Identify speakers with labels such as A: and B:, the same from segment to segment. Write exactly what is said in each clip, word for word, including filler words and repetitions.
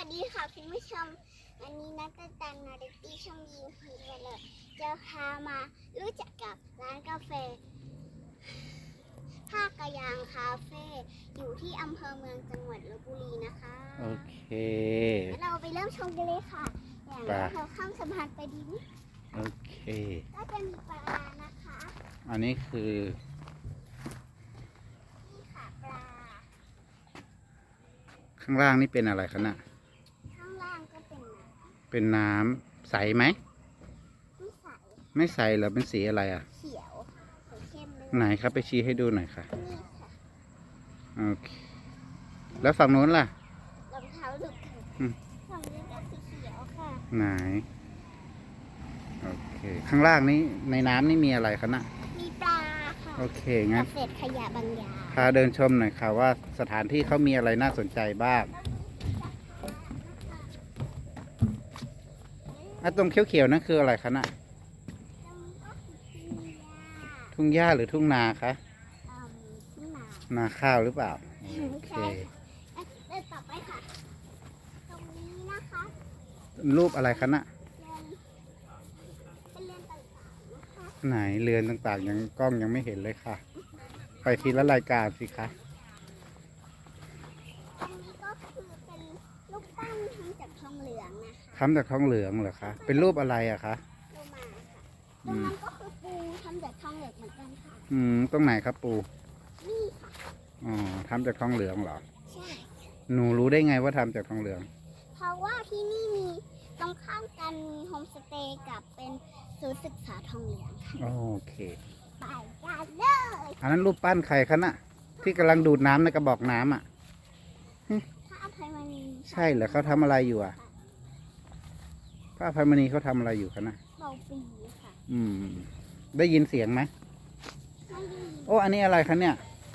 A: สดีค่ะคุณผู้ชมวันนี้นัตตันนาเด็กที่ช่องยิงฮีกันเลยจะพามารู้จักกับร้านกาแฟท่ากระยางคาเฟ่อยู่ที่อำเภอเมืองจังหวัดลพบุรีนะคะ
B: โอเค
A: แล้วเราไปเริ่มชมกันเลยค่ะอย่างแรกเราข้ามสะพานไปดีนิด
B: โอเค
A: ก็จะมีปลานะคะ
B: อันนี้คือ
A: นี่ค่ะปลา
B: ข้างล่างนี่เป็นอะไรคะน่ะ
A: ข้างล่างก็เป็นน้
B: เป็นน้ำใสไหม
A: ำไม่ใส
B: ไม่ใสเหรอเป็นสีอะไรอ่ะ
A: เขียวสีเข้มเลย
B: ไหนครับไปชี้ให้ดูหน่อยค่ะ
A: นี่ค่ะ
B: โอเค แล้วฝั่งโน้นล่ะ
A: รองเท้าดุกค่ะ
B: อืม
A: ฝั่งนี้ก็สีเขียวค่ะ
B: ไหน โอเค ข้างล่างนี้ในน้ำนี่มีอะไรคะน่ะ
A: มีปลาค่ะ
B: โอเค งั้น
A: เศษขยะบางอย่าง
B: พาเดินชมหน่อยค่ะว่าสถานที่เขามีอะไรน่าสนใจบ้างอ่ะตรงเขียวๆนั่นคืออะไรคะน่ะ ทุ่งหญ้าหรือทุ่งนาคะ
A: ที่มา
B: นาข้าวหรือเปล่า
A: ไม่
B: โอเค
A: ใช่ค่ะเดินต่อไปค่ะ ตรงนี้นะคะ
B: รูปอะไรคะน่ะ
A: เรือนเป็นเรือนต่างๆนะคะ
B: ไหนเรือนต่างๆ ยังกล้องยังไม่เห็นเลยค่ะ ไปทีละรายการสิคะ
A: ตรงนี้ก็คือเป็นลูกปั้นทำจากทองเหลืองนะคะ
B: ทำจากทองเหลืองเหรอคะ เป็นรูปอะไรอะคะ
A: โลมาค่ะตรงนั้นก็คือปูทำจากทองเหลืองเหมือนกันค่ะ
B: อืม ตรงไหนครับปู
A: นี่ค่ะ
B: อ๋อทำจากทองเหลืองเหรอ
A: ใช่
B: หนูรู้ได้ไงว่าทำจากทองเหลือง
A: เพราะว่าที่นี่มีตรงข้ามกันมีโฮมสเตย์กับเป็นศูนย์ศึกษาทองเหลืองค่ะ
B: โอเค
A: ไปกันเลย
B: อันนั้นรูปปั้นใครคะน่ะ ที่กำลังดูดน้ำในกระบอกน้ำอ่ะ
A: พระอภัยมณี
B: ใช่เหรอเขาทำอะไรอยู่อ่ะ พระอภัยมณีเขาทำอะไรอยู่คะน่ะ
A: เบาปีค่ะ
B: อืม ได้ยินเสียงไหม
A: ไม่ดี
B: โอ้ อันนี้อะไรคะเนี่ย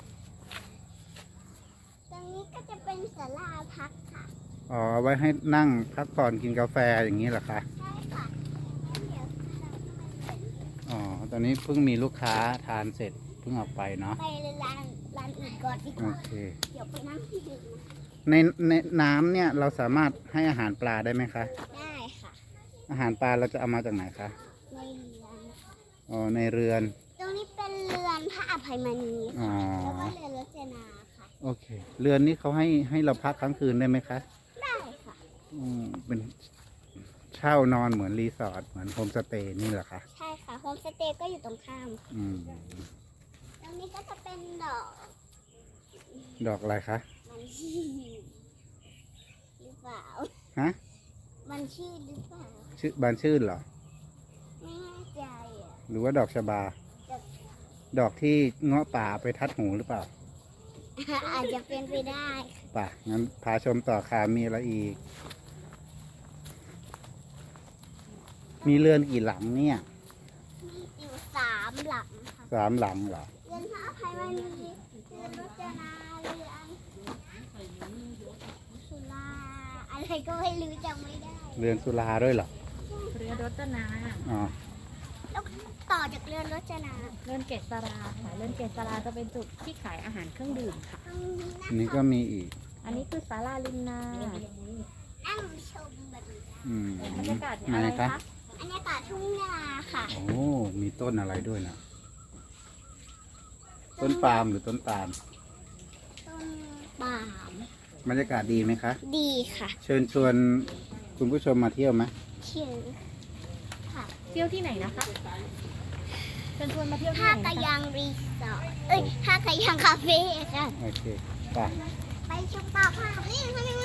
A: ตรงนี้ก็จะเป็นศาลาพักค่ะ
B: อ๋อ ไว้ให้นั่งพักผ่อนกินกาแฟอย่างนี้เหรอคะ
A: ใช่ค่ะงั้นเดี๋ยวเราไป
B: อ๋อ ตอนนี้เพิ่งมีลูกค้าทานเสร็จเพิ่งออกไปเนาะ
A: ไปร้านร้านอื่นก่อนดีก
B: โอ
A: ว่า
B: เค
A: เดี๋ยวไปนั่งที่อื่นนะ
B: ในในน้ำเนี่ยเราสามารถให้อาหารปลาได้ไหมคะ
A: ได้ค่ะ
B: อาหารปลาเราจะเอามาจากไหนคะ
A: ในเรือนค่ะ
B: อ๋อ ในเรือน
A: ตรงนี้เป็นเรือนพระอภัยมณี
B: อ๋อ
A: ค่ะแล้วก็เรือนรจนาค่ะ
B: โอเค เรือนนี้เขาให้ให้เราพักค้างคืนได้ไหมคะ
A: ได้ค่ะ
B: อืมเป็นเช่านอนเหมือนรีสอร์ทเหมือนโฮมสเตย์นี่เหรอคะ
A: ใช่ค่ะโฮมสเตย์ก็อยู่ตรงข้าม
B: อืม
A: ตรงนี้ก็จะเป็นดอก
B: ดอกอะไรคะ
A: มันชื่อหรือเปล่า
B: ฮะ
A: มันชื่อหรือเปล่า
B: ชื่อบานชื่นเหรอ
A: ไม่แน่ใจอ่ะ
B: หรือว่าดอกชบา
A: แต่
B: ดอกที่เงาะป่าไปทัดหูหรือเปล่า
A: อาจจะเป็นไปได้
B: ป่ะ งั้นพาชมต่อค่ะมีอะไรอีก มีเรือนกี่หลังเนี่ย
A: มีอยู่สามหลังค่ะ
B: สามหลังเหรอ
A: เรือนพระอภัยมณีเรือนรจนาเรือนสุราอะไรก็ไม่รู้จำไม่ได้
B: เรือนสุราด้วยเหรอ
C: เรือรจนา
B: อ๋อ
A: แล้วต่อจากเรือนรจนา
C: เรือนเกษราค่ะเรือนเกษราจะเป็นจุดที่ขายอาหารเครื่องดื่มค่ะ
A: ตรงนี้นะ
B: อันนี้ก็
A: คะ
B: มีอีก
C: อันนี้คือศาลาริมนา
A: นั่งชมแบบนี้
B: อืม
C: บรรยากาศ
B: ไหน
C: อะไร
B: คะ
C: คะ
A: อันนี้ป่าทุ่งนาค่ะ
B: โอ้ มีต้นอะไรด้วยนะ ต้นปาล์มหรือต้นตาล
A: ต้นปาล์ม
B: บรรยากาศดีไหมคะ
A: ดีค่ะ
B: เชิญชวนคุณผู้ชมมาเที่ยวไหม
A: ชื่อค่ะ
C: เที่ยวที่ไหนนะคะเชิญชวนมาเที่ยวที่
A: ท่า
C: ไหน
A: กระ
C: นะคะ
A: ยางรีสอร์ทเอ้ยท่ากระยางคาเฟ่ค่ะ
B: โอเคไป่ะ
A: ไปชมต่อค่ะนี่ทำไมมัน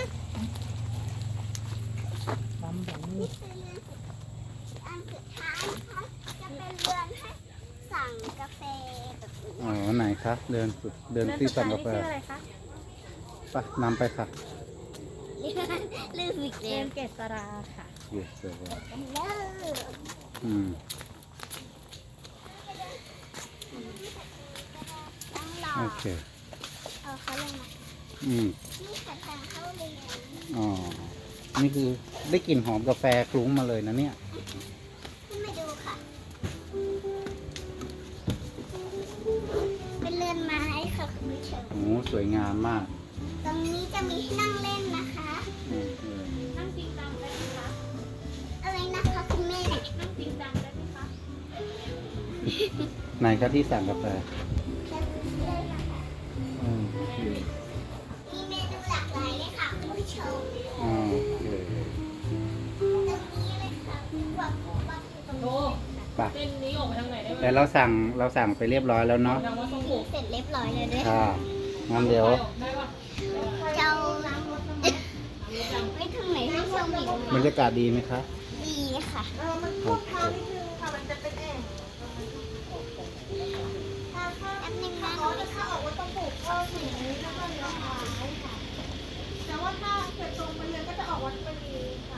C: ปั๊มแบบนี้
A: นี่คือเรือนสุดอันสุดท้ายนะคะจะเป็นเรือนให้สั่งกาแฟแบบนี้
B: อ๋อ ไหนคะ เดินสุด เดิน
C: เรือน
B: ที่
C: สุด
B: สั่
C: ท้าง ย
B: กา
C: นี่
B: แฟ
C: ชื่ออะไรคะ
B: ไปนำไปค่ะ
A: ลืมอีก
C: เรื
A: แล้
C: อ
A: วน
C: เกษราค่ะ
B: yes sir
A: กันเลย
B: อืม
A: ต้องรอ
B: โอเค
A: เอาเขาลงมา
B: อืม
A: นี่ค่ะทางเข้าเรียน
B: อ๋อ นี่คือได้กลิ่นหอมกาแฟคลุ้งมาเลยนะเนี่ย
A: ขึ้นมาดูค่ะ เป็นเรือนไม้ค่ะคุณผู้ชม
B: โอ้ สวยงามมาก
A: ตรงนี้จะมีให้นั่งเล่นนะคะ
B: อืมเออไหนครับที่สั่งกาแฟ
A: จะมีเรื่องอะไร
B: อืม
A: มีเมนูหลากหลายเลยค่ะคุณผู้ชม
B: อ๋อโอเค
A: ตรงนี้เลยค่ะที่บอกว่าคือตรง
D: โอ้
A: นี้
B: ไป
D: เส้นนี้ออกไปทางไหนได้ไหม
B: แต่เราสั่งเราสั่งไปเรียบร้อยแล้วเนาะ
D: ทางวัดทรงผูก
A: เสร็จเรียบร้อยเลยด้วย
B: ค่ะงั้นเดี๋ยว
D: ได้ปะ
A: เจ้าไม่ถึงไหนที่ชมอีก
B: บรรยากาศดีไหมคะ
A: ดีค่ะ
B: โอเค
A: แป๊บนึงนะหนูไปเข้าออกว่าต้องปลูกเข้าถึงนี้แล้วก็เลี้ยวซ้ายค่ะแต่ว่าถ้าเกิดตรงไปเลยก็จะออกวัดมณีค่ะ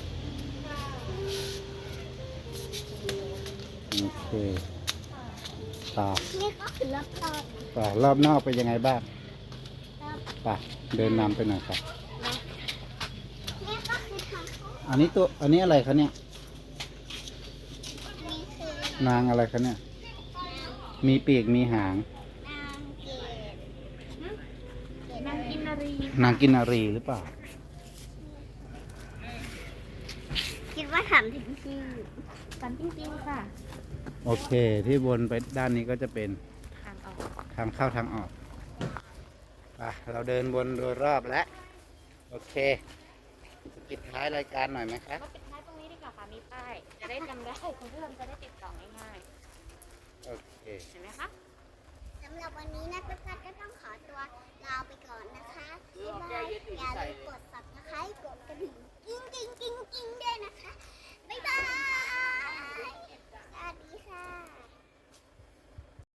B: โอเคต่อ
A: นี่ก็คือรอบตอน
B: ต่อรอบนอกเป็นยังไงบ้าง
A: รอบ
B: ไปเดินนำไปหน่อยครับ
A: นี่ก็คือทางเข้า
B: อันนี้ตัวอันนี้อะไรคะเนี่ย
A: นี่คือน
B: างอะไรคะเนี่ย มีปีกมีหาง
A: นางเกด
C: นางกินนารี
B: นางกินนารีหรือเปล่า
A: คิดว่าถามถึงชื่อ
C: สันจริงๆค่ะ
B: โอเค ที่วนไปด้านนี้ก็จะเป็น
C: ทางออก
B: ทางเข้าทางออกไปเราเดินวนโดยรอบแล้ว โอเค ปิดท้ายรายการหน่อยไหมครับ
C: ก็ปิดท้ายตรงนี้ดีกว่าค่ะ มีป้าย จะได้จำได้คุณผู้ชมจะได้ติดต่อง่าย
B: โอเค
C: ๆ เห็นไหมคะ
A: สำหรับวันนี้